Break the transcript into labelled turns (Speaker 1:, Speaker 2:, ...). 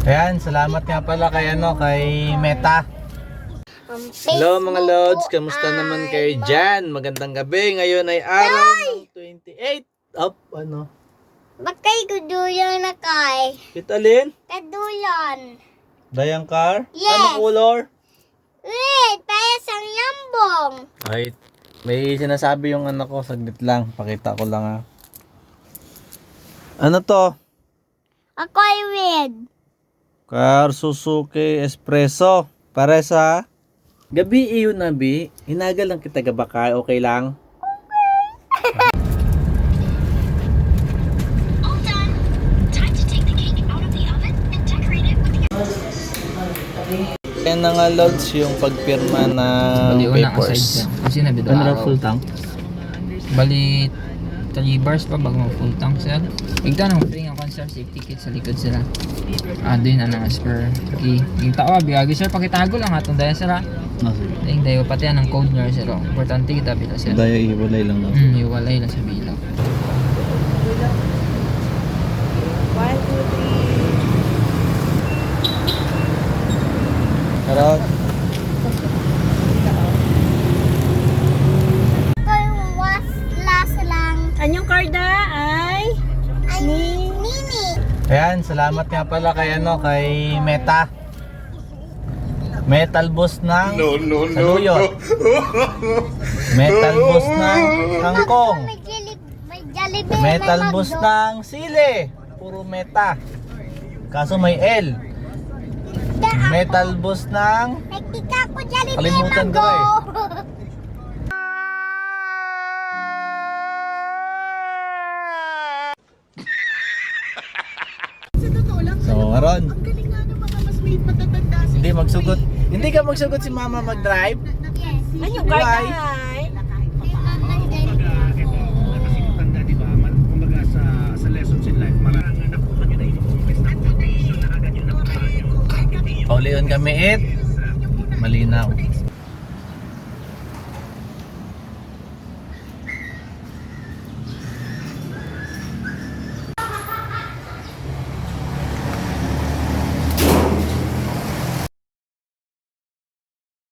Speaker 1: Ayan, salamat nga pala kay kay Meta. Hello mga Lods, kamusta naman kayo dyan? Magandang gabi, ngayon ay araw ng 28 of
Speaker 2: Bakay kuduyan na kay.
Speaker 1: Kitalin?
Speaker 2: Kaduyan.
Speaker 1: Dayang car?
Speaker 2: Yes.
Speaker 1: Anong color?
Speaker 2: Wait, para sa yambong.
Speaker 1: Ay, may sinasabi yung anak ko, saglit lang, pakita ko lang ha. Ano to?
Speaker 2: Ako ay red.
Speaker 1: Car Suzuki Espresso. Para sa gabi iyon na bi, hinagal lang kita gabaka, okay lang?
Speaker 3: All done. Time to take the cake out of the oven and decorate it with the
Speaker 1: Yan na nga Lods yung pagpirma ng papers.
Speaker 4: Kasi na bito
Speaker 1: Ano raw
Speaker 4: araw.
Speaker 1: full tank?
Speaker 4: Bali 3 bars pa bago full tank sir. Igta nang free ang concert safety kit sa likod sila. Doon na nang spare key. Yung tao biyagi sir pakitago lang atong daya sir. Ding dayo pati ang code nyo sir. Importante kita bita sir.
Speaker 1: Daya iwalay lang daw.
Speaker 4: Iwalay lang sa bilaw.
Speaker 1: 1, 2, 3. Karot.
Speaker 2: Kay was last lang.
Speaker 5: Anyong karda ay
Speaker 2: Nini.
Speaker 1: Ayan, salamat nga pala kay kay Meta. Metal boss ng saluyot. Metal boss ng kangkong.
Speaker 2: May Jollibee.
Speaker 1: Metal
Speaker 2: may
Speaker 1: boss
Speaker 2: McDo.
Speaker 1: ng sili. Puro meta. Kaso may L. Metal boss ng
Speaker 2: May tika ko Jollibee.
Speaker 1: Kalimutan ko
Speaker 2: Mango.
Speaker 1: So, Aron,
Speaker 5: ang galing nga ng mga mas may matatanda sa
Speaker 1: hindi magsugot. Hindi ka magsugot si Mama mag-drive?
Speaker 2: Yes.
Speaker 5: Anyong karda
Speaker 1: Why?
Speaker 5: ay
Speaker 6: Tanda, di ba? Kumbaga sa lessons in life, maraming nakuha nyo na ino-invest na foundation na agad yung nakuha nyo.
Speaker 1: Paulion kami malinaw.